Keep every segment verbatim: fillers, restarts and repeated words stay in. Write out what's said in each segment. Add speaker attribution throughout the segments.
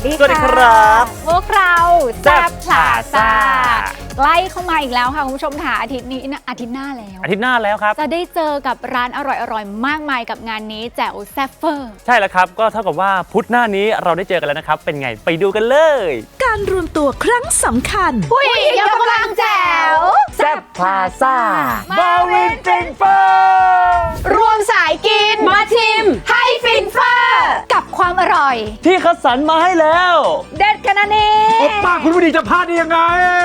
Speaker 1: ดี
Speaker 2: สวัสดีครับ
Speaker 1: พวกเราแซ่บพลาซ่า
Speaker 2: Plaza
Speaker 1: ใกล้เข้ามาอีกแล้วค่ะคุณผู้ชมค่ะอาทิตย์นี้นะอาทิตย์หน้าแล้ว
Speaker 2: อาทิตย์หน้าแล้วครับ
Speaker 1: จะได้เจอกับร้านอร่อยๆมากมายกับงานนี้แจ๋วแซ่บเฟอร์
Speaker 2: ใช่แล้วครับก็เท่ากับว่าพุธหน้านี้เราได้เจอกันแล้วนะครับเป็นไงไปดูกันเลย
Speaker 3: การรวมตัวครั้งสำคัญ
Speaker 1: ผู้หญิงยกกำลังแจ๋ว
Speaker 2: แซ่บพลาซ่ามาวินฟินเฟอร์
Speaker 1: รวมสายกินมาชิมให้ฟินเฟอร์กับความอร่อย
Speaker 2: ที่คัดสรรมาให้แล้ว
Speaker 1: เด็ดขนาดนี้
Speaker 4: โอป้าคุณผู้ดีจะพลาดได้ยังไง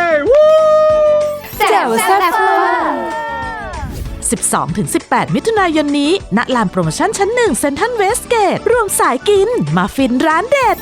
Speaker 1: แจ๋วแซ่บเฟอร์
Speaker 3: สิบสองถึงสิบแปด มิถุนายนนี้ณลานโปรโมชั่นชั้นหนึ่งเซ็นทรัลเวสเกตรวมสายกินมาฟินร้านเด็ด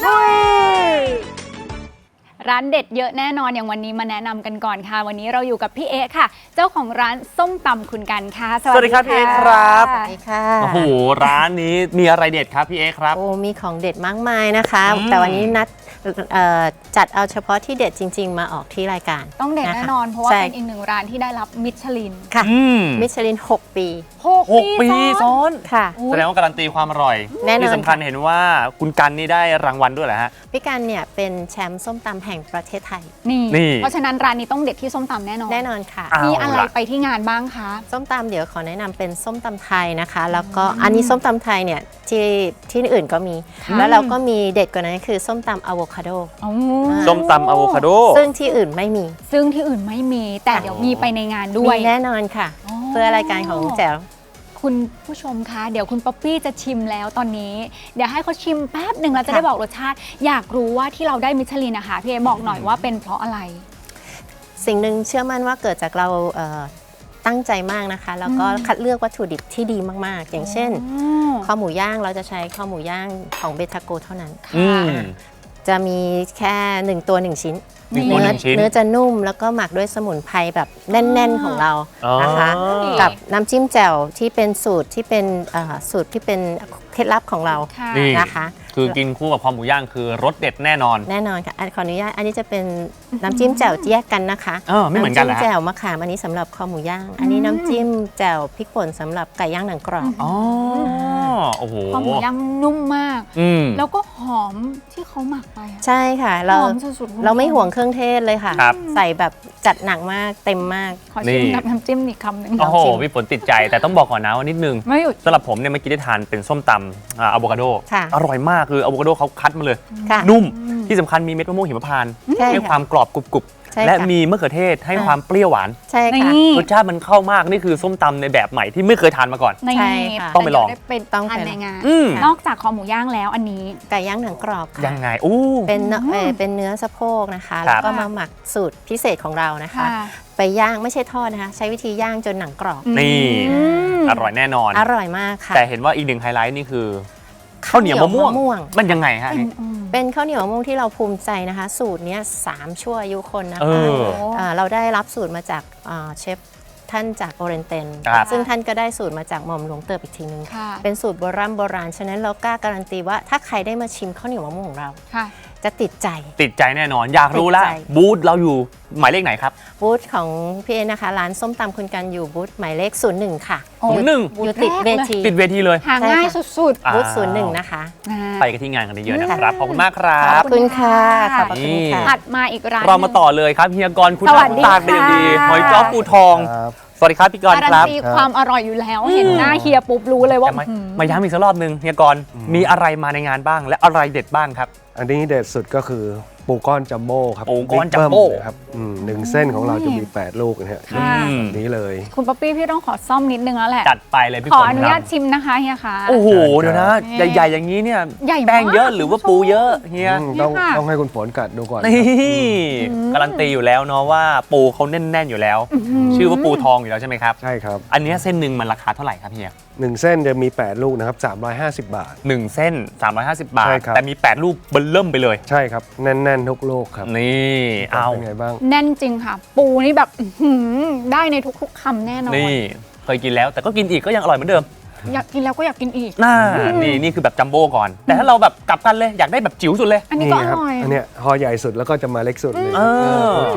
Speaker 1: ร้านเด็ดเยอะแน่นอนอย่างวันนี้มาแนะนำกันก่อนค่ะ วันนี้เราอยู่กับพี่เอ๊ะค่ะ เจ้าของร้านส้มตำคุณกันค่ะ
Speaker 2: สวัสดีครับพี่เอ๊ะครับ
Speaker 5: สวัสดีค่ะ
Speaker 2: โอ้โหร้านนี้มีอะไรเด็ดครับพี่เอ๊ครับ
Speaker 5: โอ้มีของเด็ดมากมายนะคะ
Speaker 2: อืม
Speaker 5: แต่วันนี้นัดเอ่อจัดเอาเฉพาะที่เด็ดจริง ๆ มาออกที่รายการ
Speaker 1: ต้องเด็ด
Speaker 5: ะคะ
Speaker 1: แน่นอน เพราะว่า
Speaker 5: ใช่
Speaker 1: เป็นอีกหนึ่งร้านที่ได้รับมิชลิน
Speaker 5: ค่ะ
Speaker 2: อืม
Speaker 5: มิชลิน หก ปี
Speaker 1: หก
Speaker 2: หกปีซ้อน
Speaker 5: ค่ะ
Speaker 2: แสดงว่าการันตีความอร่อย
Speaker 5: แน่นอน
Speaker 2: ที่สำคัญเห็นว่าคุณกันนี่ได้รางวัลด้วยเหรอฮะ
Speaker 5: พี่กันเนี่ยเป็นแชมป์ส้มตำแห่งประเทศไทย
Speaker 1: นี่
Speaker 2: นี่
Speaker 1: เพราะฉะนั้นร้านนี้ต้องเด็ดที่ส้มตำแน่นอน
Speaker 5: แน่นอนค่ะ
Speaker 2: อ่ะ
Speaker 1: มีอะไร
Speaker 2: เอาล่ะ
Speaker 1: ไปที่งานบ้างคะ
Speaker 5: ส้มตำเดี๋ยวขอแนะนำเป็นส้มตำไทยนะคะ แล้วก็อันนี้ส้มตำไทยเนี่ยที่ที่อื่นก็มี
Speaker 1: ค่ะ
Speaker 5: แล้วเราก็มีเด็ดกว่านั้นคือส้มตำอะโวคาโด
Speaker 1: อ๋อ
Speaker 2: ส้มตำอะโวคาโด
Speaker 5: ซึ่งที่อื่นไม่มี
Speaker 1: ซึ่งที่อื่นไม่มี แต่เดี๋ยวมีไปในงานด้ว
Speaker 5: มี
Speaker 1: ย
Speaker 5: แน่นอนค่ะ
Speaker 1: อ๋อ
Speaker 5: เพื่อรายการของแจ๋ว
Speaker 1: คุณผู้ชมคะเดี๋ยวคุณป๊อปปี้จะชิมแล้วตอนนี้ เดี๋ยวให้เขาชิมแป๊บหนึ่งแล้วจะ
Speaker 5: ค่ะ
Speaker 1: ได้บอกรสชาติ อยากรู้ว่าที่เราได้มิชลินนะคะพี่เอบอกหน่อยว่าเป็นเพราะอะไร
Speaker 5: สิ่งหนึ่งเชื่อมั่นว่าเกิดจากเราเอ่อตั้งใจมากนะคะ แล้วก็
Speaker 1: อืม
Speaker 5: คัดเลือกวัตถุดิบที่ดีมากๆ อย่างเช่น
Speaker 1: อ๋อ
Speaker 5: ข้าวหมูย่างเราจะใช้ข้าวหมูย่างของเบทาโกเท่านั้น
Speaker 2: อืม
Speaker 5: จะมีแค่หนึ่งตัวหนึ่งชิ้น
Speaker 2: หนึ่งตัวหนึ่งชิ้น
Speaker 5: เนื้อจะนุ่มแล้วก็หมักด้วยสมุนไพรแบบแน่น ๆของเรา
Speaker 2: อ๋อ
Speaker 5: นะคะ กับน้ำจิ้มแจ่วที่เป็นสูตรที่เป็นเอ่อสูตรที่เป็นเคล็ดลับของเรา
Speaker 1: ค่ะ
Speaker 2: นี่
Speaker 5: นะคะ
Speaker 2: คือกินคู่กับคอหมูย่างคือรสเด็ดแน่นอน
Speaker 5: แน่นอนค่ะอันขออนุญาตอันนี้จะเป็นน้ำจิ้มแจ่วแยกกันนะคะ
Speaker 2: เออไม่เหมือนกันเหรอ
Speaker 5: ำ
Speaker 2: ฮะ
Speaker 5: จิ้มแจ่วมะขามอันนี้สำหรับคอหมูย่าง อันนี้น้ำจิ้มแจ่วพริกป่นสำหรับไก่ย่างหนังกรอบ
Speaker 2: อ๋อโอ้โห
Speaker 1: ข้าวหมูย่างนุ่มมาก
Speaker 2: อืม
Speaker 1: แล้วก็หอมที่เขาหมักไปอะ
Speaker 5: ใช่ค่ะ เรา
Speaker 1: หอมสุดๆ
Speaker 5: เราไม่ห่วงเครื่องเทศเลยค่ะ
Speaker 2: ครับ
Speaker 5: ใส่แบบจัดหนักมากเต็มมาก
Speaker 1: ขอชิม
Speaker 2: นี่
Speaker 1: กับน้ำจิ้มอีกคำหนึ่ง
Speaker 2: โอ้โห
Speaker 5: ลองชิม
Speaker 2: พี่ฝนติดใจแต่ต้องบอกก่อนนะว่านิดนึง
Speaker 1: ไม่หยุด
Speaker 2: สำหรับผมเนี่ยเมื่อกี้ได้ทานเป็นส้มตำอะโวคาโด
Speaker 5: ค่ะ
Speaker 2: อร่อยมากคืออะโวคาโดเขาคัดมาเลย
Speaker 5: ค่ะ
Speaker 2: นุ่มที่สำคัญมีเม็ดมะม่วงหิมพานต์
Speaker 5: ใช่
Speaker 2: ให้
Speaker 5: ค่ะ
Speaker 2: ความกรอบกรุบ
Speaker 5: ใช่
Speaker 2: ๆและ
Speaker 5: ค่ะ
Speaker 2: มีมะเขือเทศให้
Speaker 5: อ่า
Speaker 2: ความเปรี้ยวหวาน
Speaker 5: ใช่ค่ะ
Speaker 1: นี่
Speaker 2: รสชาติมันเข้ามากนี่คือส้มตำในแบบใหม่ที่ไม่เคยทานมาก่อน
Speaker 1: ใน
Speaker 5: ใช่ค่ะ
Speaker 2: ต้องไปลอง
Speaker 1: แต่เดี๋ยวด้เป็น
Speaker 5: ต้องไป
Speaker 1: อัน
Speaker 5: ลอง
Speaker 1: ในงาน
Speaker 2: อืม
Speaker 1: นอกจากคอหมูย่างแล้วอันนี้
Speaker 5: ไก่ย่างหนังกรอบค่ะ
Speaker 2: ยังไงอู้
Speaker 5: เป็นเนื้อเอ่อเป็นเนื้อสะโพกนะคะ
Speaker 2: ครั
Speaker 5: แล้ว
Speaker 2: บ
Speaker 5: ก็มาหมักสูตรพิเศษของเรานะคะ
Speaker 1: ค่ะ
Speaker 5: ไปย่างไม่ใช่ทอดนะคะ ใช้วิธีย่างจนหนังกรอบ
Speaker 2: นี่
Speaker 1: อืม
Speaker 2: อร่อยแน่นอน
Speaker 5: อร่อยมากค่ะ
Speaker 2: แต่เห็นว่าอีกหนึ่งไฮไลท์นี่คือข้าวเหนียวมะม่วง
Speaker 5: ม่วง
Speaker 2: มันยังไงฮะ
Speaker 1: เป็น
Speaker 2: นี่
Speaker 1: อืม
Speaker 5: เป็นข้าวเหนียวมะม่วงที่เราภูมิใจนะคะ สูตรเนี้ยสามชั่วอายุคนนะ
Speaker 2: เอ
Speaker 5: คะ
Speaker 2: อ
Speaker 5: เอ่อเราได้รับสูตรมาจากเอ่อเชฟท่านจากโอเรนเตน
Speaker 2: ครับ
Speaker 5: ซึ่งท่านก็ได้สูตรมาจากหม่อมหลวงเติบอีกทีนึง
Speaker 1: ค่ะ
Speaker 5: เป็นสูตรโบราณโบราณ ฉะนั้นเรากล้าการันตีว่าถ้าใครได้มาชิมข้าวเหนียวมะม่วงของเรา
Speaker 1: ค่ะ
Speaker 5: จะติดใจ
Speaker 2: ติดใจแน่นอน อยากรู้ละ
Speaker 5: ติดใจ
Speaker 2: บูธเราอยู่หมายเลขไหนครับ
Speaker 5: บูธของพี่เอนะคะ ร้านส้มตำคุณกันอยู่บูธหมายเลขศูนย์หนึ่งค่ะ
Speaker 1: โอ้
Speaker 2: ศูนย์หนึ่ง
Speaker 5: อยู่ติดเวที
Speaker 2: ติดเวทีเลย
Speaker 1: หาง่ายสุด
Speaker 2: อ้าว
Speaker 5: บูธศูนย์หนึ่งนะคะ
Speaker 1: ๆนะ
Speaker 2: ไปกันที่งานกันเยอะๆนะครับ ขอบคุณมากครั
Speaker 5: ข
Speaker 2: บ
Speaker 5: อบคุณค่ะขอบพระคุณค่ะ
Speaker 1: ถัดมาอีกร้าน
Speaker 2: เรามาต่อเลยครับเฮียกรคุณ
Speaker 1: สวัสดี
Speaker 2: ตากเป็นอย่างดี
Speaker 1: ค่ะ
Speaker 2: หอยจ้อปูทอง
Speaker 4: ครับ
Speaker 2: สวัสดีครับพี่กร
Speaker 1: การั
Speaker 2: คน รับ
Speaker 1: ตีความอร่อยอยู่แล้ว เห็นหน้าเฮียปุ๊บรู้เลยว่า
Speaker 2: จะมา
Speaker 1: อื้อหือ
Speaker 2: มาย้ำอีกสักรอบหนึ่งเฮียกรมีอะไรมาในงานบ้าง และอะไรเด็ดบ้างครับ
Speaker 4: อันนี้เด็ดสุดก็คือปูก้อนจัมโบ้ครับ
Speaker 2: ปูก้อน
Speaker 4: บิ๊
Speaker 2: จัมโบ้
Speaker 4: เบิ้นะครับอืมหนึ่งเส้นของเราจะมี แปด ลูกนะฮะ
Speaker 1: ค่ะ
Speaker 2: อืม
Speaker 4: แบบนี้เลย
Speaker 1: คุณป๊อปปี้พี่ต้องขอซ่อมนิดนึงแล้วแหละ
Speaker 2: จัดไปเลยพี่
Speaker 1: ขอ
Speaker 2: ฝน
Speaker 1: อนุ
Speaker 2: ค
Speaker 1: ญา
Speaker 2: รั
Speaker 1: ต
Speaker 2: บ
Speaker 1: ชิมนะคะเฮียคะ
Speaker 2: โอ้โห
Speaker 4: ใช่ครับ
Speaker 2: เดี๋ยวนะ
Speaker 1: นี่
Speaker 2: ใหญ่ๆอย่างนี้เนี่ย
Speaker 1: ใหญ่มาก
Speaker 2: แป้งเยอะหรือว่าปูเยอะเฮีย
Speaker 4: อืมต้อง
Speaker 1: เนี่ยค่ะ
Speaker 4: ต้องให้คุณฝนกัดดูก่อน
Speaker 2: นี่
Speaker 1: อืม
Speaker 2: การันตีอยู่แล้วเนาะว่าปูเขาแน่นๆอยู่แล้ว ชื่อว่าปูทองอยู่แล้วใช่ไหมครับ
Speaker 4: ใช่ครับ
Speaker 2: อันเนี้ยเส้นหนึ่งมันราคาเท่าไหร่ครับเฮีย
Speaker 4: หนึ่งเส้นจะมี แปด ลูกนะครับสามร้อยห้าสิบ บาท
Speaker 2: หนึ่งเส้นสามร้อยห้าสิบบาท
Speaker 4: ใช่ครับ
Speaker 2: แต่มีแปดลูกเบิ่มเริ่มไปเลย
Speaker 4: ใช่ครับ แน่นๆทุกลูกครับ
Speaker 2: นี่เอา
Speaker 4: เป็นไงบ้าง
Speaker 1: แน่นจริงค่ะ ปูนี่แบบอื้อหือได้ในทุกๆคำแน่นอน
Speaker 2: นี่เคยกินแล้วแต่ก็กินอีกก็ยังอร่อยเหมือนเดิม
Speaker 1: อยากกินแล้วก็อยากกินอีก
Speaker 2: น่านี่นี่คือแบบจัมโบ้ก่อน แต่ถ้าเราแบบกลับกันเลยอยากได้แบบจิ๋วสุดเลย
Speaker 1: อันนี้
Speaker 4: นี่
Speaker 1: ก็อ
Speaker 4: ครับ
Speaker 1: ร่อย
Speaker 4: อันเนี้ยห่อใหญ่สุดแล้วก็จะมาเล็กสุดเลย
Speaker 2: เออ
Speaker 4: จิ๋ว
Speaker 2: อัน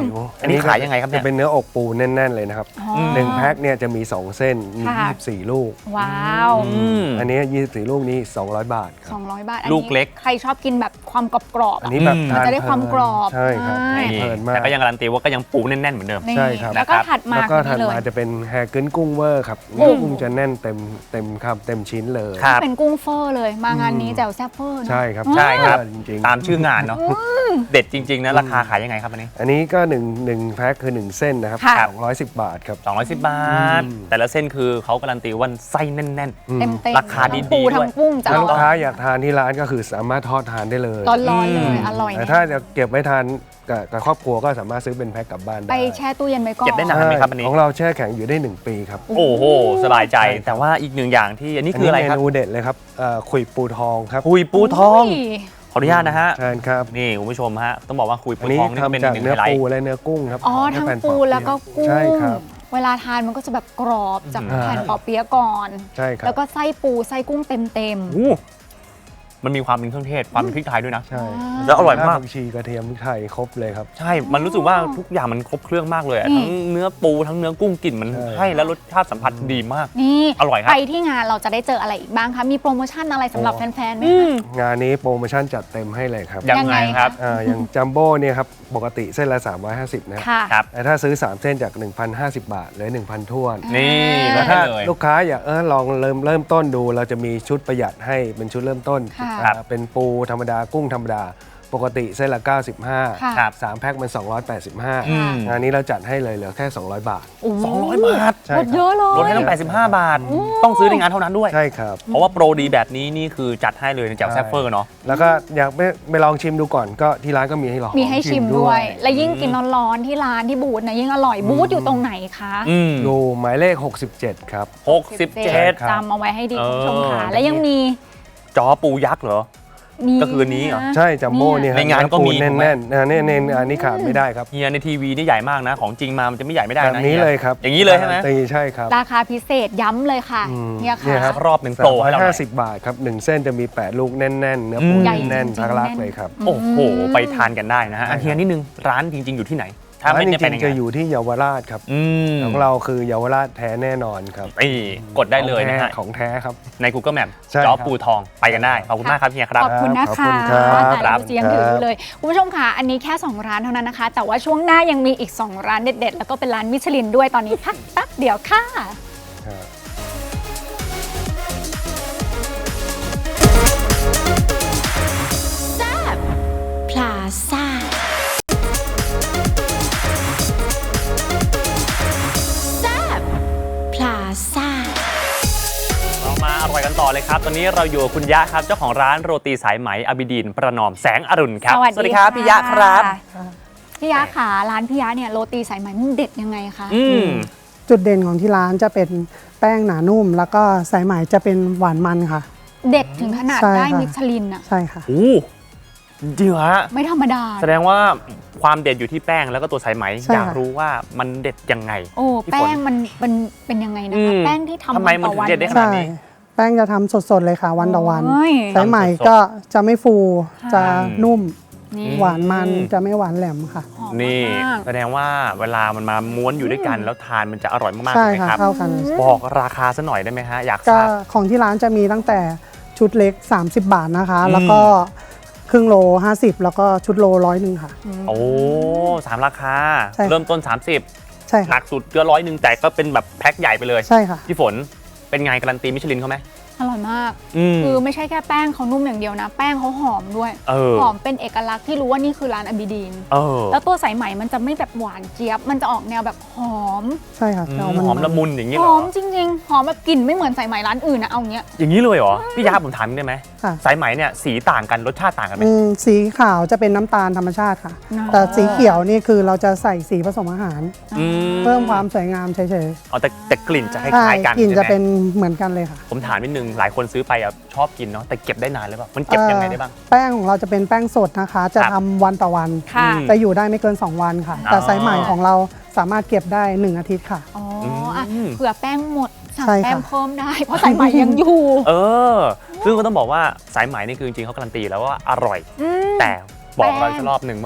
Speaker 2: นนี้ขายยังไงครับเนี่ย
Speaker 4: จะเป็นเนื้ออกปูแน่นๆเลยนะครับ
Speaker 1: อ๋อ
Speaker 4: หนึ่งแพ็คเนี่ยจะมีสองเส้นมี
Speaker 1: ค่ะ
Speaker 4: ยี่สิบสี่ลูก
Speaker 1: ว้าว
Speaker 2: อืม
Speaker 4: อันนี้ยี่สิบสี่ลูกนี้สองร้อยบาทครับ
Speaker 1: สองร้อยบาท
Speaker 2: ลูกเล็ก
Speaker 1: ใครชอบกินแบบความกรอบๆ
Speaker 4: อัน
Speaker 1: อะ
Speaker 4: นี้แบบ
Speaker 2: อืม
Speaker 4: ทาน
Speaker 1: จะได้ความกรอบ
Speaker 4: ใช่ครับ
Speaker 1: ใช่
Speaker 2: นี่
Speaker 4: เพลินมาก
Speaker 2: แต่ก็ยังการันตีว่าก็ยังปูแน่นๆเหมือนเดิม
Speaker 1: นี่
Speaker 4: ใช่ครับ
Speaker 1: แล้วก็ถัดมา
Speaker 4: แล้วก็
Speaker 1: คือ
Speaker 4: ถัด
Speaker 1: นี่เลย
Speaker 4: มาจะเป็นแฮร์กึ้นกุ้งเวอร์ครับ
Speaker 1: กุ้ง
Speaker 4: กุ้งจะแน่นเต็มเต็มคำเต็มชิ้นเลย
Speaker 2: ครับ
Speaker 1: เป็นกุ้งเฟอร์เลยมางานนี้แจ่วแซ่บเฟอร์เนอะ
Speaker 4: ใช่ครับ
Speaker 2: ใช่ครับ
Speaker 4: จริงๆ
Speaker 2: ตามชื่องานเนาะเด็ดจริงๆนะราคาขายยังไงครับอันนี้
Speaker 4: อันนี้ก็หนึ่งหนึ่งแพ็คคือหนึ่งเส้นนะครับ
Speaker 1: ค่ะ
Speaker 4: สองร้อยสิบบาทครับ
Speaker 2: สองร้อยสิบบาท
Speaker 4: อืม
Speaker 2: แต่ละเส้นคือเขาการันตีว่าไส้แน่น
Speaker 4: อืม
Speaker 1: เต็มเต็ม
Speaker 2: ราคาดีๆ
Speaker 1: ปู
Speaker 2: ด้วย
Speaker 1: ทั้งกุ้งจะ
Speaker 4: ถ้า
Speaker 1: อ
Speaker 4: ลูก
Speaker 1: ร่อย
Speaker 4: ค้าอยากทานที่ร้านก็คือสามารถทอดทานได้เลย
Speaker 1: ร้อนๆเลย
Speaker 2: อืม
Speaker 1: อร่อย
Speaker 4: แต่
Speaker 1: แน่
Speaker 4: ถ้าจะเก็บไว้ทานกับกับครอบครัวก็สามารถซื้อเป็นแพ็คกลับบ้าน
Speaker 1: ไป
Speaker 4: ได้
Speaker 1: แช่ตู้เย็นไว้ก่อน
Speaker 2: เก็บได้นานไหมครับอันนี้
Speaker 4: ของเราแช่แข็งอยู่ได้หนึ่งปีครับ
Speaker 2: ๆ โอ้โห สบายใจ แต่ว่าอีกหนึ่งอย่างที่อันนี้คืออะไรครับ
Speaker 4: เมนูเด็ดเลยครับเอ่อขุยปูทองครับ
Speaker 2: คุยปูทอง
Speaker 1: ย
Speaker 2: ขออนุญาตนะฮะ
Speaker 4: ใช่ครับ
Speaker 2: นี่คุณผู้ชมฮะ ต้องบอกว่าคุย
Speaker 4: อั
Speaker 2: ปู
Speaker 4: นนี้
Speaker 2: ทองนี่เป็น
Speaker 4: ทำจาก
Speaker 2: หนึ่ง
Speaker 4: เนื้
Speaker 2: ไฮ
Speaker 4: อ
Speaker 2: ไล
Speaker 4: ปู
Speaker 2: ท์
Speaker 4: และเนื้อกุ้งครับ
Speaker 1: อ๋อทั้ง
Speaker 4: แผ่น
Speaker 1: ปู
Speaker 4: ปอเปี๊ยะ
Speaker 1: แล้วก็กุ้ง
Speaker 4: ใช่ครับ
Speaker 1: เวลาทานมันก็จะแบบกรอบจาก
Speaker 4: อ่า
Speaker 1: แผ่นปอเปี๊ยะก่อน
Speaker 4: ใช่ครับ
Speaker 1: แล้วก็ไส้ปูไส้กุ้งเต็มเต็มๆ
Speaker 2: โอ้มันมีความเป็นเครื่องเทศ ความเป็นพริกไทยด้วยนะ
Speaker 4: ใช่
Speaker 2: แล้วอร่อยมาก
Speaker 4: ผักชีกระเทียมพริกไทยครบเลยครับ
Speaker 2: ใช่ มันรู้สึกว่าทุกอย่างมันครบเครื่องมากเลยอะ
Speaker 1: นี่
Speaker 2: ทั้งเนื้อปูทั้งเนื้อกุ้งกลิ่นมัน
Speaker 4: ใช่
Speaker 2: ให้แล้วรสชาติสัมผัสดีมาก
Speaker 1: นี่
Speaker 2: อร่อยครับ
Speaker 1: ไปที่งานเราจะได้เจออะไรอีกบ้างคะ มีโปรโมชั่นอะไรสำหรับแฟนๆไหมคะ
Speaker 4: งานนี้โปรโมชั่นจัดเต็มให้เลยครับ
Speaker 2: ยัง
Speaker 1: ยัง
Speaker 2: ไง
Speaker 1: ไง
Speaker 2: ครับ
Speaker 4: อ่าอย่างจัมโบ้เนี่ยครับปกติเส้นละ สามร้อยห้าสิบนะ
Speaker 1: ค่ะ
Speaker 2: ครับ
Speaker 4: แต่ถ้าซื้อ สาม เส้นจาก หนึ่งพันห้าสิบ บาทเหลือ หนึ่งพันท้วน
Speaker 2: นี่
Speaker 1: อ่า
Speaker 2: แล้ว
Speaker 4: ถ้า
Speaker 2: เลย
Speaker 4: ลูกค้าอยากเออลองเริ่มเริ่มต้นดูเราจะมีชุดประหยัดให้เป็นชุดเริ่มต้น
Speaker 1: ค่ะ
Speaker 4: อ่าเป็นปูธรรมดากุ้งธรรมดา ปกติเส้นละ เก้าสิบห้า
Speaker 1: ค่ะ
Speaker 2: ครับ
Speaker 4: สามแพ็คมัน สองร้อยแปดสิบห้า
Speaker 2: อืม
Speaker 4: งานนี้เราจัดให้เลยเหลือแค่ สองร้อย บาท
Speaker 1: โอ้โห
Speaker 2: สองร้อยบาท
Speaker 4: ใช่
Speaker 1: ล
Speaker 4: ค
Speaker 1: ดเย
Speaker 4: รับ
Speaker 1: อะเลย
Speaker 2: ลดให้ตั้งแปดสิบห้าบาท ต้องซื้อในงานเท่านั้นด้วย
Speaker 4: ใช่ครับ
Speaker 2: เพราะว่าโปรดีแบบนี้นี่คือจัดให้เลยในแจ่วแซ่บเฟอร์เนาะ
Speaker 4: แล้วก็อยากไปไปลองชิมดูก่อนก็ที่ร้านก็มีให้ลอง
Speaker 1: มีให้ชิมด้วย และยิ่งกินร้อนๆที่ร้านที่บูธนะยิ่งอร่อย บูธอยู่ตรงไหนคะ
Speaker 2: อืม
Speaker 4: ดูหมายเลข หกสิบเจ็ด ครับ
Speaker 2: หกสิบเจ็ด
Speaker 4: ครับ
Speaker 1: จำเอาไว้ให้ดี
Speaker 2: เออ
Speaker 1: คุณผู้ชมค่ะ และยังมี
Speaker 2: จอปูยักษ์เหรอ
Speaker 1: มี
Speaker 2: ก็คืออันนี้เหรอ
Speaker 1: ะ
Speaker 4: ใช่จัมโบ้เนี่ย
Speaker 2: ในงานก็มี
Speaker 4: แน่นๆแน่นๆอ่าเนี่ยเนี่ยอันนี้ขาดไม่ได้ครับ
Speaker 2: เฮียในทีวีนี่ใหญ่มากนะ ของจริงมามันจะไม่ใหญ่ไม่ได้
Speaker 4: แบบ
Speaker 2: นะ
Speaker 4: นี้
Speaker 2: ฮี
Speaker 4: เลยครับ
Speaker 2: อย่างนี้เลยใช่ไหม
Speaker 4: ตีใช่ครับ
Speaker 1: ราคาพิเศษย้ำเลยค่ะ
Speaker 4: อืม
Speaker 1: เนี่ย
Speaker 4: เนี่
Speaker 1: ค่ะ
Speaker 4: ยครับ
Speaker 2: รอบหนึ่งโปรให้เราหน่
Speaker 4: ห้า
Speaker 2: อย
Speaker 4: สิบบาทครับหนึ่งเส้นจะมี แปด ลูกแน่นๆเนื้อปู
Speaker 2: อืม
Speaker 1: ใหญ่
Speaker 4: แน่น
Speaker 1: จริงๆ
Speaker 4: ๆทั้งรัก
Speaker 1: แน่น
Speaker 4: เลยครับ
Speaker 2: โอ้โห ไปทานกันได้นะฮะ
Speaker 4: ใช่ครับ
Speaker 2: อันเฮียนิดนึงร้านจริง ๆ อยู่ที่ไหน ถ้า
Speaker 4: ร้าน
Speaker 2: ไม่
Speaker 4: จ
Speaker 2: ได้ไป
Speaker 4: ริ
Speaker 2: ใน
Speaker 4: งๆจะ
Speaker 2: งาน
Speaker 4: อยู่ที่เยาวราชครับ
Speaker 2: อืม
Speaker 4: ของเราคือเยาวราชแท้แน่นอนครับ
Speaker 2: นี่กดได้เลยนะฮะ
Speaker 4: ของแท้ครับ
Speaker 2: ใน Google Map
Speaker 4: ใช่
Speaker 2: จอ
Speaker 4: ครับ
Speaker 2: ปูทองไปกันได้ ขอบคุณมากครับเฮียครับ
Speaker 1: ขอบคุณนะ
Speaker 4: ขอบ
Speaker 1: คะ
Speaker 4: คุณครับ
Speaker 1: แต่เราจะยังถือ
Speaker 4: ครับ
Speaker 1: เลย คุณผู้ชมค่ะ อันนี้แค่ สอง ร้านเท่านั้นนะคะ แต่ว่าช่วงหน้ายังมีอีก สอง ร้านเด็ด ๆ แล้วก็เป็นร้านมิชลินด้วยตอนนี้พักแป๊บเดียวค่ะ
Speaker 4: ครับ
Speaker 6: พลาซ่า แซบพลาซ่า
Speaker 2: เรามาอร่อยกันต่อเลยครับ ตอนนี้เราอยู่กับคุณยะครับ เจ้าของร้านโรตีสายไหมอบิดีนประนอมแสงอรุณครับ
Speaker 1: สวัสดี
Speaker 2: ครับ
Speaker 1: ะ
Speaker 2: พี่ยะครับ
Speaker 1: พี่ยะค่ะร้านพี่ยะเนี่ยโรตีสายไหมมันเด็ดยังไงคะ
Speaker 2: อืม
Speaker 7: จุดเด่นของที่ร้านจะเป็นแป้งหนานุ่ม แล้วก็สายไหมจะเป็นหวานมันค่ะ
Speaker 1: เด็ดถึงขนาด
Speaker 7: ใช่
Speaker 1: ได้
Speaker 7: ค่ะ
Speaker 1: มิชลินอะ
Speaker 7: ใช่ค่ะ
Speaker 2: โอ้จริงเหรอฮะ
Speaker 1: ไม่ธรรมดา
Speaker 2: แสดงว่าความเด็ดอยู่ที่แป้งแล้วก็ตัวสายไหม
Speaker 7: ใช่
Speaker 2: อยาก
Speaker 7: ค่ะ
Speaker 2: รู้ว่ามันเด็ดยังไง
Speaker 1: โอ้
Speaker 2: พี่ฝน
Speaker 1: แป้งมันมันเป็นยังไงนะ
Speaker 2: อื
Speaker 1: คะ
Speaker 2: ม
Speaker 1: แป้งที่ทำ
Speaker 2: ทำไมมัน
Speaker 1: ต่อวั
Speaker 2: ถึงเด็ดได้ขนา
Speaker 7: ใช่
Speaker 2: นี้
Speaker 7: แป้งจะทำสดๆเลยค่ะ วันต่อวัน
Speaker 1: โอ้ย
Speaker 7: สายไหม
Speaker 2: ทำสดๆ
Speaker 7: ก็จะไม่ฟู
Speaker 1: ค่ะ
Speaker 7: จะนุ่ม
Speaker 1: นี่
Speaker 7: หวานมันจะไม่หวานแหลมค่ะ
Speaker 1: หอม
Speaker 2: นี่
Speaker 1: มาก
Speaker 2: แสดงว่าเวลามันมาม้วนอยู่ด้วยกัน แล้วทานมันจะอร่อยมากๆ
Speaker 7: ใช่
Speaker 2: ใช่ไหม
Speaker 7: ค่ะ
Speaker 2: ครับ
Speaker 7: เข้ากัน
Speaker 2: บอกราคาซะหน่อยได้ไหมฮะ อยากท
Speaker 7: ก็
Speaker 2: ราบ
Speaker 7: ของที่ร้านจะมีตั้งแต่ชุดเล็ก สามสิบ บาทนะคะ
Speaker 2: อืม
Speaker 7: แล้วก็ครึ่งโล ห้าสิบ แล้วก็ชุดโลร้อยหนึ่งค่ะ
Speaker 2: โอ้สามราคา
Speaker 7: ใช่ค่ะ
Speaker 2: เริ่มต้น สามสิบ
Speaker 7: ใช่
Speaker 2: หนั
Speaker 7: ค่ะ
Speaker 2: กสุดก็ร้อยหนึ่งแต่ก็เป็นแบบแพ็คใหญ่ไปเลย
Speaker 7: ใช่ค่ะ
Speaker 2: พี่ฝนเป็นไงการันตีมิชลินเขาไหม
Speaker 1: อร่อยมาก
Speaker 2: อืม
Speaker 1: คือไม่ใช่แค่แป้งเขานุ่มอย่างเดียวนะ แป้งเขาหอมด้วย
Speaker 2: เออ
Speaker 1: หอมเป็นเอกลักษณ์ที่รู้ว่านี่คือร้านอบิดีน
Speaker 2: เออ
Speaker 1: แล้วตัวสายไหมมันจะไม่แบบหวานเจี๊ยบ มันจะออกแนวแบบหอม
Speaker 7: ใช่ค่ะ
Speaker 2: อื
Speaker 7: จะ
Speaker 2: ม
Speaker 7: เอามัน
Speaker 2: หอมละมุนอย่างนี้
Speaker 1: ห
Speaker 2: เหร
Speaker 1: อ
Speaker 2: อ
Speaker 1: มจริงๆ หอมแบบกลิ่นไม่เหมือนสายไหมร้านอื่นนะเอาเงี้ย
Speaker 2: อย่างนี้เลยเหรอพี่ยาผมถามนิดได้ไหม
Speaker 7: ค่ะ
Speaker 2: สายไหมเนี่ยสีต่างกันรสชาติต่างกันไหม
Speaker 7: อืมสีขาวจะเป็นน้ำตาลธรรมชาติค่ะ
Speaker 1: อ๋อ
Speaker 7: แต่สีเขียวนี่คือเราจะใส่สีผสมอาหาร
Speaker 2: อื
Speaker 7: เพิ่มความสวยงามเฉย
Speaker 2: อ๋อแต่แต่กลิ่นจะค
Speaker 7: ๆใช่
Speaker 2: ล้ายๆกัน
Speaker 7: กลิ่นจะ
Speaker 2: ใช่ไหม
Speaker 7: เป็นเหมือนกันเลยค่ะ
Speaker 2: ผมถามนิดนึงหลายคนซื้อไปอ่ะชอบกินเนาะแต่เก็บได้นานหรือเปล่ามันเก็บยังไงได้บ้าง
Speaker 7: เอ่อแป้งของเราจะเป็นแป้งสดนะคะ จะ
Speaker 2: ครับ
Speaker 7: ทำวันต่อวัน
Speaker 1: ค่ะ
Speaker 2: อืม
Speaker 7: จะอยู่ได้ไม่เกิน สอง วันค่ะ
Speaker 2: อ๋อ
Speaker 7: แต่สายใหม่ของเราสามารถเก็บได้ หนึ่ง อาทิตย์ค่ะ
Speaker 1: อ๋ออ่ะ
Speaker 2: อืม
Speaker 1: เผื่อแป้งหมดสั่ง
Speaker 7: ใช่ค่ะ
Speaker 1: แป้งเพิ่มได้ เพราะสายไหมยังอยู่
Speaker 2: เออ ซึ่งก็ต้องบอกว่าสายไหมนี่คือจริงๆเขาการันตีแล้วว่าอร่อย
Speaker 1: อืม
Speaker 2: แต่บอก
Speaker 1: แป้ง
Speaker 2: เราอีกรอบหนึ่งว่า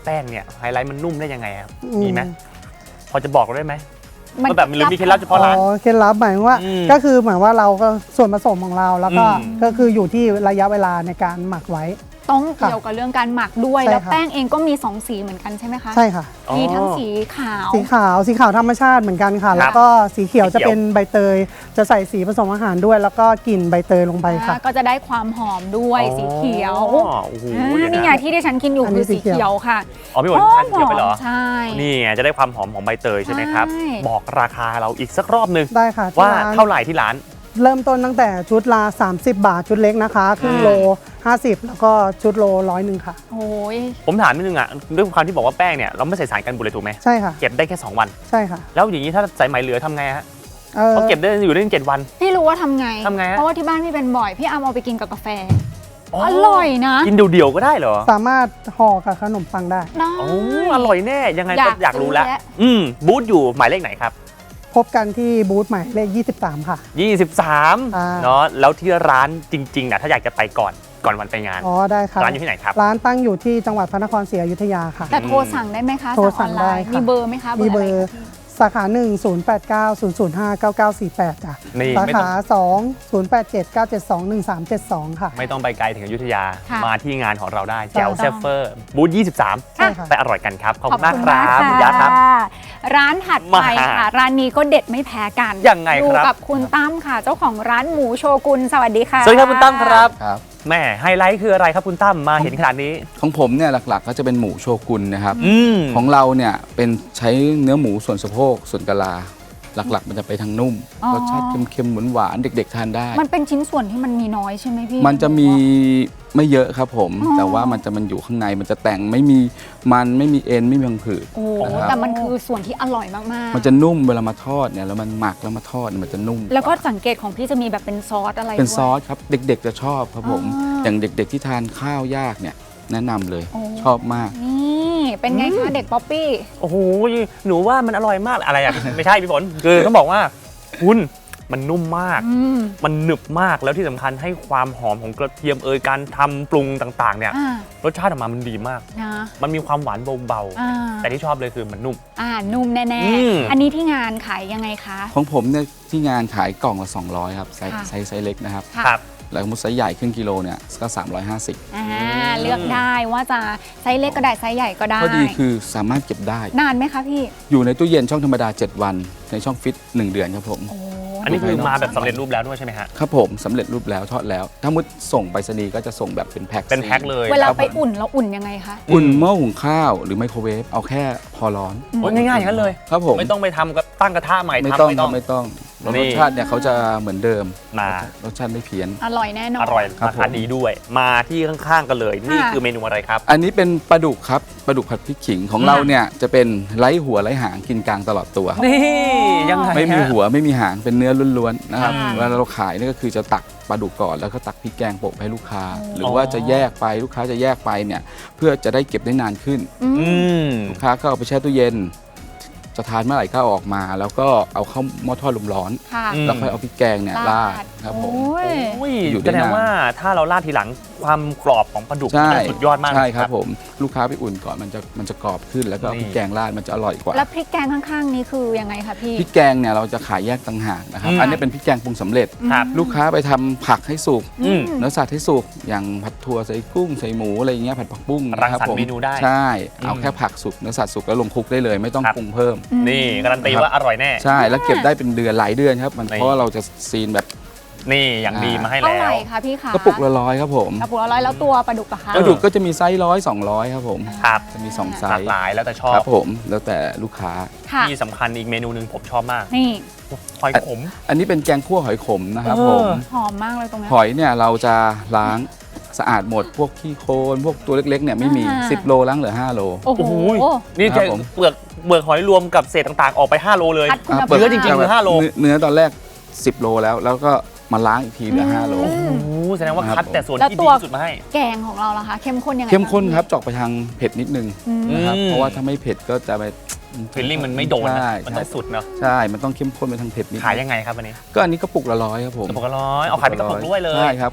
Speaker 2: แป้งเนี่ยไฮไลท์มันนุ่มได้ยังไงครับ
Speaker 7: อืม
Speaker 2: มีไหมพอจะบอกเราได้ไหม
Speaker 1: มัน
Speaker 2: ว่าแบบมันมีเคล็ดลับเฉพาะร้าน
Speaker 7: อ๋อเคล็ดลับหมายถึงว่า
Speaker 2: อืม
Speaker 7: ก็คือหมายว่าเราก็ส่วนผสมของเราแล้วก็
Speaker 2: อืม
Speaker 7: ก็คืออยู่ที่ระยะเวลาในการหมักไว้
Speaker 1: ต้องเกี่ยวกับเรื่องการหมักด้วย
Speaker 7: ใช่
Speaker 1: แล้ว
Speaker 7: ค่ะ
Speaker 1: แป้งเองก็มีสองสีเหมือนกันใช่ไหมคะ
Speaker 7: ใช่ค่ะ
Speaker 1: มีทั้งสีขาว
Speaker 7: สีขาวสีขาวธรรมชาติเหมือนกันค่ะ แล้วก็สีเขียว
Speaker 2: สีเขียว
Speaker 7: จะเป็นใบเตย จะใส่สีผสมอาหารด้วย แล้วก็กลิ่นใบเตยลงไปค่ะ
Speaker 1: อ่าก็จะได้ความหอมด้วยสีเขียว
Speaker 2: อ๋อโอ้โห
Speaker 1: อ่า
Speaker 2: เดี๋ยว
Speaker 1: นี่ไง
Speaker 2: นะ
Speaker 1: ที่ดิฉันกินอยู่
Speaker 7: อันนี้
Speaker 1: คือสี
Speaker 7: สีเขียว
Speaker 1: เขียวค่ะ
Speaker 2: อ๋อพี่ฝนทานสีเขียวไปเหรอ
Speaker 1: ใช่
Speaker 2: นี่ไงจะได้ความหอมของใบเตยใช่ไหมครับ
Speaker 1: ใช่
Speaker 2: บอกราคาเราอีกสักรอบหนึ่ง
Speaker 7: ได้ค่ะที่
Speaker 2: ว่า
Speaker 7: ร้น
Speaker 2: เท่าไหร่ที่ร้าน
Speaker 7: เริ่มต้นตั้งแต่ชุดละ30 บาทชุดเล็กนะคะครึ่งโลห้าสิบแล้วก็ชุดโลร้อยหนึ่งค่ะ
Speaker 1: โอ้ย
Speaker 2: ผมถามนิดนึงอ่ะด้วยความที่บอกว่าแป้งเนี่ยเราไม่ใส่สารกันบูดเลยถูกไหม
Speaker 7: ใช่ค่ะ
Speaker 2: เก็บได้แค่สองวัน
Speaker 7: ใช่ค่ะ
Speaker 2: แล้วอย่างนี้ถ้าสายไหมเหลือทำไงฮะ
Speaker 7: เอ่อ
Speaker 2: เขาเก็บได้อยู่ได้ถึงเจ็ดวัน
Speaker 1: พี่รู้ว่าทำไง
Speaker 2: ทำไงฮะ
Speaker 1: เพราะว่าที่บ้านพี่เป็นบ่อย พี่อามเอาไปกินกับกาแฟ อร่อยนะ
Speaker 2: กินเดี่ยวๆก็ได้เหรอ
Speaker 7: สามารถห่อกับขนมปังได้
Speaker 1: ได้
Speaker 2: โอ้อร่อยแน่ยังไง
Speaker 1: อยา
Speaker 2: ก็
Speaker 1: ก
Speaker 2: อยากรู้แล้ว
Speaker 1: ซื้อแล้ว
Speaker 2: อืมบูธอยู่หมายเลขไหนครับ
Speaker 7: พบกันที่บูธหมายเลขยี่สิบสามค่ะ
Speaker 2: ยี่สิบสาม
Speaker 7: อ่า
Speaker 2: เนาะแล้วที่ร้านจริงๆนะถ้าอยากจะไปก่อนก่อนวันไปงาน
Speaker 7: อ๋อได้ค่ะ
Speaker 2: ร้านอยู่ที่ไหนครับ
Speaker 7: ร้านตั้งอยู่ที่จังหวัดพระนครศรีอยุธยาค่ะ
Speaker 1: แต่โทรสั่งได้ไหมคะ
Speaker 7: โทรสั่ง
Speaker 1: ออนลน์
Speaker 7: ได้ค่ะ
Speaker 1: มีเบอร์ไหมคะ
Speaker 7: มีเบอ
Speaker 1: อะ
Speaker 7: ร์
Speaker 1: ไคะ
Speaker 7: สาขาหนึ่ง ศูนย์ แปด เก้า ศูนย์ ศูนย์ ห้า เก้า เก้า สี่ แปดจ้ะ
Speaker 2: นี่
Speaker 7: สา
Speaker 2: ไม่ต้อ
Speaker 7: ขาง สอง ศูนย์ แปด เจ็ด เก้า เจ็ด สอง หนึ่ง สาม เจ็ด สองค่ะ
Speaker 2: ไม่ต้องไปไกลถึงอยุธยา
Speaker 1: ค่ะ
Speaker 2: มาที่งานของเราได้
Speaker 7: ใช่
Speaker 2: แจวเซฟเฟอร์บูธยี่สิบสาม
Speaker 7: ใช่ค่ะ
Speaker 2: ไปอร่อยกันครับ ขอบคุณมากครับคุณยะครับ
Speaker 1: ร้านถัดไป
Speaker 2: มา
Speaker 1: ค่ะ ร้านนี้ก็เด็ดไม่แพ้กัน
Speaker 2: ยังไงครับ
Speaker 1: อยู่กับคุณตั้มค่ะ เจ้าของร้านหมูโชกุนสวัสดีค่ะ
Speaker 2: สวัสดีครับคุณตั้มครับ
Speaker 8: ครับ
Speaker 2: แม่ไฮไลท์คืออะไรครับคุณตั้มมาเห็นขนาดนี้
Speaker 8: ของผมเนี่ยหลักๆก็จะเป็นหมูโชกุนนะครับ
Speaker 2: อืม
Speaker 8: ของเราเนี่ยเป็นใช้เนื้อหมูส่วนสะโพกส่วนกะลา หลักๆ มันจะไปทางนุ่ม
Speaker 1: อ๋อ
Speaker 8: รสชาติเค็มๆหวานๆเด็ก ๆ ทานได้
Speaker 1: มันเป็นชิ้นส่วนที่มันมีน้อยใช่ไหมพี่
Speaker 8: มันจะมีไม่เยอะครับผม
Speaker 1: อ๋อ
Speaker 8: แต่ว่ามันจะมันอยู่ข้างในมันจะแต่งไม่มีมันไม่มีเอ็นไม่มีพังผืด
Speaker 1: โอ้
Speaker 8: นะครับ
Speaker 1: แต่มันคือส่วนที่อร่อยมากๆ
Speaker 8: มันจะนุ่มเวลามาทอดเนี่ยแล้วมันหมักแล้วมาทอดเนี่ยมันจะนุ่ม
Speaker 1: แล้วก็
Speaker 8: ว่า
Speaker 1: สังเกตของพี่จะมีแบบเป็นซอสอะไร
Speaker 8: เป็น
Speaker 1: ด้วย
Speaker 8: ซอสครับเด็กๆจะชอบครับผม
Speaker 1: อ๋อ
Speaker 8: อย่างเด็กๆที่ทานข้าวยากเนี่ยแนะนำเลย
Speaker 1: โอ้
Speaker 8: ชอบมาก
Speaker 1: นี่เป็นไงคะเด็กป๊อปปี้
Speaker 2: โอ้โหหนูว่ามันอร่อยมากอะไรอ่ะ ไม่ใช่พี่ฝนคือต้องบอกว่าคุณมันนุ่มมาก
Speaker 1: อืม
Speaker 2: มันหนึบมากแล้วที่สำคัญให้ความหอมของกระเทียมเอยการทำปรุงต่างๆเนี่ย
Speaker 1: อ่าร
Speaker 2: สชาติออกมามันดีมาก
Speaker 1: นะ
Speaker 2: มันมีความหวานเบา
Speaker 1: อ่า
Speaker 2: ๆแต่ที่ชอบเลยคือมันนุ่ม
Speaker 1: อ่านุ่มแน่
Speaker 2: อืม
Speaker 1: ๆ อันนี้ที่งานขายยังไงคะ
Speaker 8: ของผมเนี่ยที่งานขายกล่องละสองร้อยครับไซส์
Speaker 1: ค่ะ
Speaker 8: ไซส์ไซส์เล็กนะครับ
Speaker 1: ค่ะ
Speaker 2: ครับ
Speaker 8: แล้วมุดไซส์ใหญ่ครึ่งกิโลเนี่ยก็สามร้อยห้าสิบ
Speaker 1: อ่าเลือกได้ว่าจะไซส์เล็กก็ได้ไซส์ใหญ่ก็ได้
Speaker 8: ข้อดีคือสามารถเก็บได้
Speaker 1: นานไหมคะพี่
Speaker 8: อยู่ในตู้เย็นช่องธรรมดา เจ็ด วันในช่องฟิตหนึ่งเดือนครับผม
Speaker 1: โอ้
Speaker 2: อันนี้คือมาแบบสำเร็จรูปแล้วด้วยใช่ไหมฮะ
Speaker 8: ครับผมสำเร็จรูปแล้วทอดแล้ว ถ้ามุดส่งไปรษณีย์ก็จะส่งแบบเป็นแพ็ค
Speaker 2: เป็นแพ็คเลย
Speaker 1: เวลา
Speaker 8: ครับ
Speaker 1: ไป
Speaker 8: ผม
Speaker 1: อุ่นเราอุ่นยังไงคะ
Speaker 8: อุ่นหม้อหุงข้าวหรือไมโครเวฟเอาแค่พอร้อน
Speaker 2: โอ้ยง่ายๆอย่างนั้นเลย
Speaker 8: ครับผม
Speaker 2: ไม่ต้องไปทำกับตั้งกระทะใหม่
Speaker 8: ไม่
Speaker 2: ทำ
Speaker 8: ต้อง
Speaker 2: ไม่
Speaker 8: ค
Speaker 2: ต้
Speaker 8: รั
Speaker 2: อบ ง
Speaker 8: ไม่ต้องแล้ว
Speaker 2: นี่
Speaker 8: รสชาติเนี่ยเขาจะเหมือนเดิม
Speaker 2: มา
Speaker 8: รสชาติไม่เพี้ยน
Speaker 1: อร่อยแน่นอน
Speaker 2: อร่อย
Speaker 8: ครับ
Speaker 2: ราคา
Speaker 8: ผม
Speaker 2: ดีด้วย มาที่ข้างๆกันเลย นี่
Speaker 1: ค่ะ
Speaker 2: คือเมนูอะไรครับ
Speaker 8: อันนี้เป็นปลาดุกครับปลาดุกผัดพริกขิงของเราเนี่ยจะเป็นไร้หัวไร้หางกินกลางตลอดตัว
Speaker 2: นี่ยังไง
Speaker 8: ไม่มี
Speaker 2: ฮะ
Speaker 8: หัวไม่มีหางเป็นเนื้อล้วนๆนะครับ
Speaker 1: อ่า
Speaker 8: เวลาเราขายนี่ก็คือจะตักปลาดุกก่อนแล้วก็ตักพริกแกงโปะให้ลูกค้า หรือ
Speaker 2: อ
Speaker 8: ว่าจะแยกไปลูกค้าจะแยกไปเนี่ยเพื่อจะได้เก็บได้นานขึ้น
Speaker 1: อืม
Speaker 2: อืม
Speaker 8: ลูกค้าก็เอาไปแช่ตู้เย็น จะทานเมื่อไหร่ก็เอาออกมา แล้วก็เอาเข้าหม้อทอดลมร้อน
Speaker 1: ค่ะ
Speaker 2: อืม
Speaker 8: แล้วค่อยเอาพริกแกงเนี่ยราดครับผม
Speaker 1: โอ้ย
Speaker 2: อุ้ย
Speaker 8: อยู่ได้
Speaker 2: แสดง
Speaker 8: นาน
Speaker 2: ว่าถ้าเราราดทีหลังความกรอบของปลาดุก
Speaker 8: ใช่
Speaker 2: มันสุดยอดมาก
Speaker 8: ใช่ครับผมลูกค้าไปอุ่นก่อนมันจะมันจะกรอบขึ้น แล้วก็เอา
Speaker 2: นี่
Speaker 8: พริกแกงราดมันจะอร่อยกว่า
Speaker 1: แล้วพริกแกงข้างๆนี้คือยังไงคะพี่
Speaker 8: พริกแกงเนี่ยเราจะขายแยกต่างหากนะครับ
Speaker 2: อืม
Speaker 8: อันนี้เป็นพริกแกงปรุงสำเร็จ
Speaker 2: ครับ
Speaker 8: ลูกค้าไปทำผักให้สุก
Speaker 2: อืม
Speaker 8: เนื้อสัตว์ให้สุกอย่างผัดถั่วใส่กุ้งใส่หมูอะไรอย่างเงี้ยผัดผักบุ้ง
Speaker 2: รัง
Speaker 8: นะค
Speaker 2: สรรค์
Speaker 8: ผม
Speaker 2: เมนูได้
Speaker 8: ใช่เอา
Speaker 2: อืม
Speaker 8: แค่ผักสุกเนื้อสัตว์สุกแล้วลงคลุกได้เลยไม่ต้อง
Speaker 2: ครับ
Speaker 8: ปรุงเพิ่ม
Speaker 2: นี่การันตีว่าอร่อยแน่
Speaker 8: ใช่แล้วเก็บได้เป็นเดือนหลายเดือนครับมัน
Speaker 2: นี่
Speaker 8: เพราะว่าเราจะซีนแบบ
Speaker 2: นี่อย่างดีมาให้
Speaker 1: เท่า
Speaker 2: แล้
Speaker 1: ไหร่
Speaker 2: ว
Speaker 1: คะพี่คะ
Speaker 8: กระปุกละร้อยครับผม
Speaker 1: กระปุกละร้อยแล้วตัวปลาดุกอะคะ
Speaker 8: กระดูกก็จะมีไซส์ร้อยสองร้อยครับผม
Speaker 2: ครับ
Speaker 8: จะมีสองไซ
Speaker 2: หลาก
Speaker 8: ส์
Speaker 2: หลายแล้วแต่ชอ
Speaker 8: ค
Speaker 2: บ
Speaker 8: รับผมแล้วแต่ลูกค้า
Speaker 1: ค่ะ
Speaker 2: ที่สำคัญอีกเมนูหนึ่งผมชอบมาก
Speaker 1: นี่
Speaker 2: หอยขม
Speaker 8: อันนี้เป็นแกงคั่วหอยขมนะครับ
Speaker 2: เออ
Speaker 8: ผม
Speaker 1: หอมมากเลยตรงเนี้ย
Speaker 8: หอยเนี่ยเราจะล้างสะอาดหมดพวกขี้โคลนพวกตัวเล็กๆเนี่ยไม่มี
Speaker 1: อ่า
Speaker 8: สิบโลล้างเหลือห้าโล
Speaker 1: โอ้โห
Speaker 2: โอ้โหนี่
Speaker 8: ครั
Speaker 2: จะ
Speaker 8: บผม
Speaker 2: เปลือกเปลือกหอยรวมกับเศษต่างๆ ออกไป ห้า โลเลย
Speaker 1: คัดคุณ
Speaker 8: อ่ะ
Speaker 1: ภาพ
Speaker 2: เนื้อจริงๆ คือห้าโล
Speaker 8: เนื้อเนื้อตอนแรกสิบโลแล้ว แล้วก็มาล้างอีกทีเหลือห้าโล
Speaker 1: อืม
Speaker 2: โอ้โหแสดงว่า
Speaker 8: ครับ
Speaker 2: คัดแต่ส่วน
Speaker 1: แล้ว
Speaker 2: ที่
Speaker 1: ตั
Speaker 2: ดี
Speaker 1: ว
Speaker 2: ที่สุดมาให้
Speaker 1: แกงของเราล่ะคะ เข้มข้นยังไง
Speaker 8: เข้มข้น
Speaker 1: าง
Speaker 8: ครับเจอกไปทางเผ็ดนิดนึง
Speaker 1: อืม
Speaker 8: นะครับ
Speaker 2: อืม
Speaker 8: เพราะว่าถ้าไม่เผ็ดก็จะไป
Speaker 2: ฟิลลิ่งมันไม่โดนนะ
Speaker 8: ใช่
Speaker 2: มันต้องสุดเนาะ
Speaker 8: ใช่ มันต้องเข้มข้นไปทางเผ็ดนิด
Speaker 2: ขายยังไงครับวันนี้
Speaker 8: ก็อันนี้กระปุกละร้อยครับผม
Speaker 2: กระปุกละร้อยเอาขายเป็นกระปุกด้วยเลย
Speaker 8: ใช่ครับก็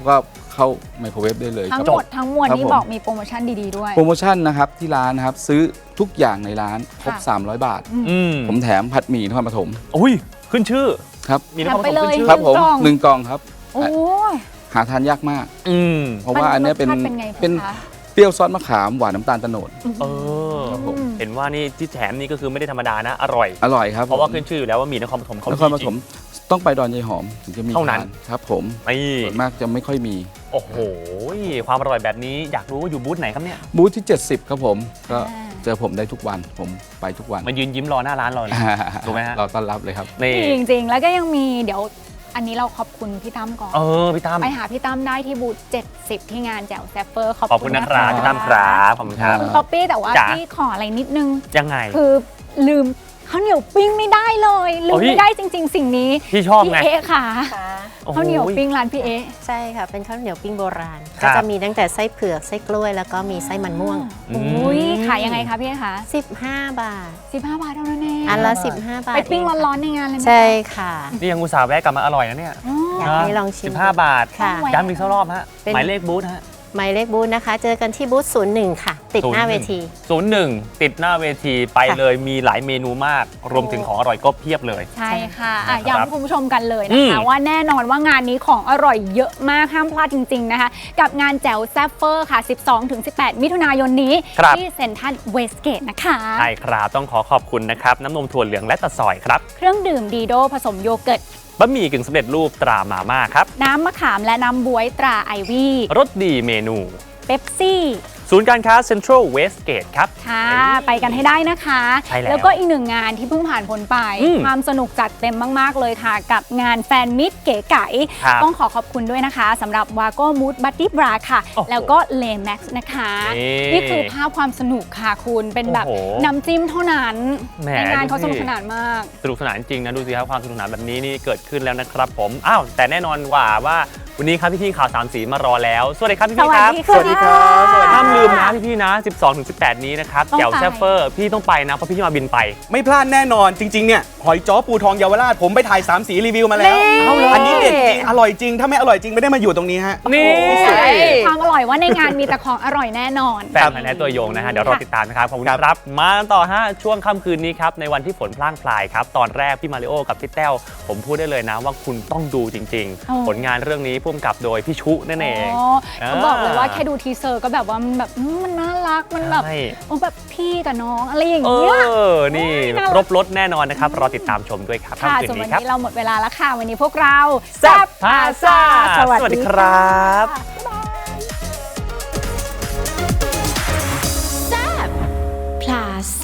Speaker 8: เข้าไมโครเวฟได้เลย
Speaker 1: ทั้
Speaker 8: ค
Speaker 1: ง
Speaker 8: รับ
Speaker 1: หมดทั้งมวล
Speaker 8: ครับ
Speaker 1: นี้
Speaker 8: ผม
Speaker 1: บอกมีโปรโมชั่นดีๆด้วย
Speaker 8: โปรโมชั่นนะครับที่ร้านนะครับซื้อทุกอย่างในร้านครบ
Speaker 1: ค่ะ
Speaker 8: สามร้อย บาท
Speaker 2: อืม
Speaker 8: ผมแถมผัดหมี่นครปฐม
Speaker 2: อุ้ยขึ้นชื่อ
Speaker 8: ครับ
Speaker 2: มีนครปฐม
Speaker 1: แถมไปเลย
Speaker 2: ขึ้นชื่อ
Speaker 8: ครับผม
Speaker 1: กล่อง
Speaker 8: หนึ่งกล่องครับ
Speaker 1: โอ้ย
Speaker 8: หาทานยากมาก
Speaker 2: อืม
Speaker 8: เพราะว่าอันเนี้ยเป็น
Speaker 1: รสชาติเป็นไง
Speaker 8: เป็น
Speaker 1: คะ
Speaker 8: เปรี้ยวซอสมะขามหวานน้ำตาลโตนด
Speaker 2: เออ
Speaker 8: ครับผม
Speaker 2: เห็นว่านี่ที่แถมนี่ก็คือไม่ได้ธรรมดานะ อร่อย
Speaker 8: อร่อยครับ
Speaker 2: เพราะว่า
Speaker 8: ผม
Speaker 2: ขึ้นชื่ออยู่แล้วว่ามีนครปฐมเขา
Speaker 8: นครปฐมต้องไปดอนยายหอมถึงจะมี
Speaker 2: เท่านั้น
Speaker 8: ทครับผม
Speaker 2: นี่
Speaker 8: ส่วนมากจะไม่ค่อยมี
Speaker 2: โอ้โห ความอร่อยแบบนี้อยากรู้ว่าอยู่บูธไหนครับเนี่ย
Speaker 8: บูธที่ เจ็ดสิบ ครับผมก็
Speaker 1: อ่า
Speaker 8: เจอผมได้ทุกวันผมไปทุกวัน
Speaker 2: มายืนยิ้มรอหน้าร้านเราเลย ถูกไหมฮะ
Speaker 8: เราต้อนรับเลยครับ
Speaker 2: นี่
Speaker 1: จริงๆ แล้วก็ยังมีเดี๋ยวอันนี้เราขอบคุณพี่ตั้มก่อน
Speaker 2: เออพี่ตั้ม
Speaker 1: ไปหาพี่ตั้มได้ที่บูธเจ็ดสิบที่งานแจ๋วแซฟเฟอร์ขอบ
Speaker 2: ขอบคุณนะครับพี่ตั้มครับขอบคุณครับ
Speaker 1: คุณป๊อปปี้แต่ว่า
Speaker 2: จ๋า
Speaker 1: พี่ขออะไรนิดนึง
Speaker 2: ยังไง
Speaker 1: คือลืมข้าวเหนียวปิ้งไม่ได้เลยลื
Speaker 2: โอ้
Speaker 1: ม
Speaker 2: พี่
Speaker 1: ไม่ได้จริง ๆ สิ่งนี้
Speaker 2: พี่ชอบ
Speaker 1: พี่
Speaker 2: ไง
Speaker 1: เอ๊ะค่ะ
Speaker 5: ค่ะ
Speaker 2: โอ้โ
Speaker 1: ข้าวเหนียวปิ้งร้านพี่เอ๊ะ
Speaker 5: ใช่ค่ะ เป็นข้าวเหนียวปิ้งโบราณ
Speaker 2: ครั
Speaker 5: ก็
Speaker 2: บ
Speaker 5: จะมีตั้งแต่ไส้เผือกไส้กล้วย แล้วก็มีไส้มันม่วง
Speaker 2: อืม
Speaker 1: โอ้ยขายยังไงคะพี่เอ๊ะคะ
Speaker 5: สิบห้า บาท
Speaker 1: สิบห้าบาทเท่านั้นเอง
Speaker 5: อันละสิบห้า บาท
Speaker 1: ไปปิ้ง
Speaker 5: เค่ะ
Speaker 1: ร้อนๆในงานเลยไหม
Speaker 5: ใช่ค่ะ
Speaker 2: นี่ยังอุตส่าห์แวะกลับมาอร่อยนะเนี่ย
Speaker 1: อ๋อ
Speaker 5: อยากให้ลองชิม
Speaker 2: สิบห้าบาท
Speaker 5: ค่ะ
Speaker 1: ไว้
Speaker 2: ย้ำอีกสักรอบฮะ
Speaker 5: เป็น
Speaker 2: หมายเลขบูธฮะ
Speaker 5: หมายเลขบูธนะคะ เจอกันที่บูธศูนย์หนึ่งค่ะ ติดหน้าเวที
Speaker 2: ศูนย์หนึ่งติดหน้าเวทีไป
Speaker 5: ค่ะ
Speaker 2: เลยมีหลายเมนูมาก รวมถึงของอร่อยก็เพียบเลย
Speaker 1: ใช่ค่ะอ่ะ
Speaker 2: ครับ
Speaker 1: ย้ำคุณผู้ชมกันเลยนะคะ
Speaker 2: อืม
Speaker 1: ว่าแน่นอนว่างานนี้ของอร่อยเยอะมากห้ามพลาดจริง ๆ นะคะ กับงานแจ๋วแซฟเฟอร์ค่ะ สิบสองถึงสิบแปด มิถุนายนนี้
Speaker 2: ครับ
Speaker 1: ที่เซ็นทรัลเวสเกตนะคะ
Speaker 2: ใช่ครับต้องขอขอบคุณนะครับ น้ำนมถั่วเหลืองและตะซอยครับ
Speaker 1: เครื่องดื่มดีโดผสมโยเกิร์ต
Speaker 2: บะหมี่กึ่งสำเร็จรูปตรามาม่าครับ
Speaker 1: น้ำมะขามและน้ำบวยตราไอวี่
Speaker 2: รสดีเมนู
Speaker 1: เป๊ปซี่
Speaker 2: ศูนย์การค้าเซ็นทรัลเวสเกตครับ
Speaker 1: ค่ะ ไปกันให้ได้นะคะ
Speaker 2: ใช่แล้ว
Speaker 1: แล้วก็อีกหนึ่งงานที่เพิ่งผ่านพ้นไป
Speaker 2: อืม
Speaker 1: ความสนุกจัดเต็มมาก ๆ เลยค่ะ กับงานแฟนมิตรเก๋ไก๋
Speaker 2: ครับ
Speaker 1: ต้องขอขอบคุณด้วยนะคะสำหรับวาโก้มูดบัตตี้บราค่ะ
Speaker 2: โอ้โห
Speaker 1: แล้วก็เลแม็กซ์นะคะ
Speaker 2: นี่
Speaker 1: นี่คือภาพความสนุกค่ะคุณเป็นแบบ
Speaker 2: โอ้โห
Speaker 1: น้ำจิ้มเท่านั้น
Speaker 2: แหม
Speaker 1: ในงานเขา
Speaker 2: ดู
Speaker 1: ส
Speaker 2: สิ
Speaker 1: นุกสนานมาก
Speaker 2: สนุกสนานจริงนะดูสิครับความสนุกสนานแบบนี้นี่เกิดขึ้นแล้วนะครับผมอ้าวแต่แน่นอนว่าว่าวันนี้ครับพี่ๆข่าวสามสีมารอแล้วสวัสดีครับพี่ๆครับ
Speaker 1: สวัสดีค่ะ
Speaker 2: ห้ามลืมนะพี่ๆนะ สิบสองถึงสิบแปด นี้นะครับ
Speaker 1: ต้อง
Speaker 2: แจ๋ว
Speaker 1: ไป
Speaker 2: แซฟเฟอร์พี่ต้องไปนะเพราะพี่มาบินไป
Speaker 9: ไม่พลาดแน่นอนจริงๆเนี่ยหอยจ้อปูทองเยาวราชผมไปถ่ายสามสีรีวิวมาแล้ว
Speaker 1: เอาเลย
Speaker 9: อันนี้เด็ดจริงอร่อยจริง ถ้าไม่อร่อยจริงไม่ได้มาอยู่ตรงนี้ฮะ
Speaker 2: นี่
Speaker 1: ความอร่อยว่าในงานมีแต่ของอร่อยแน่นอน
Speaker 2: แฟนพันธุ์แท้ตัวยงนะฮะเดี๋ยวรอติดตามนะครับขอบคุณครับมาต่อฮะช่วงค่ำคืนนี้ครับในวันที่ฝนพร่างพรายครับตอนแรกพี่มาริโอกับพี่แต้วผมพูดได้เลยนะว่าคุณต้องดูจริง
Speaker 1: อ๋อ
Speaker 2: ๆ ผลงานเรื่องนี้พุ่มกับโดยพี่ชุนั่นเอง
Speaker 1: อ๋อเขาบอกเลยว่าแค่ดูทีเซอร์ก็แบบว่ามันแบบอืมมันน่ารักมันแบบ
Speaker 2: ใช่
Speaker 1: โอ้แบบพี่กับน้องอะไรอย่าง
Speaker 2: เอ
Speaker 1: เงี้ย
Speaker 2: อ นี่
Speaker 1: น่ารัก
Speaker 2: ครบรถแน่นอนนะครับ รอติดตามชมด้วยครับ
Speaker 1: ค่ะ
Speaker 2: ค่ำคืน
Speaker 1: ส่วนวั
Speaker 2: นี้
Speaker 1: น
Speaker 2: ครับ
Speaker 1: นี้เราหมดเวลาแล้วค่ะ วันนี้พวกเรา
Speaker 2: แซ่บพาซ่าสวัสดีครับ
Speaker 1: ค่ะ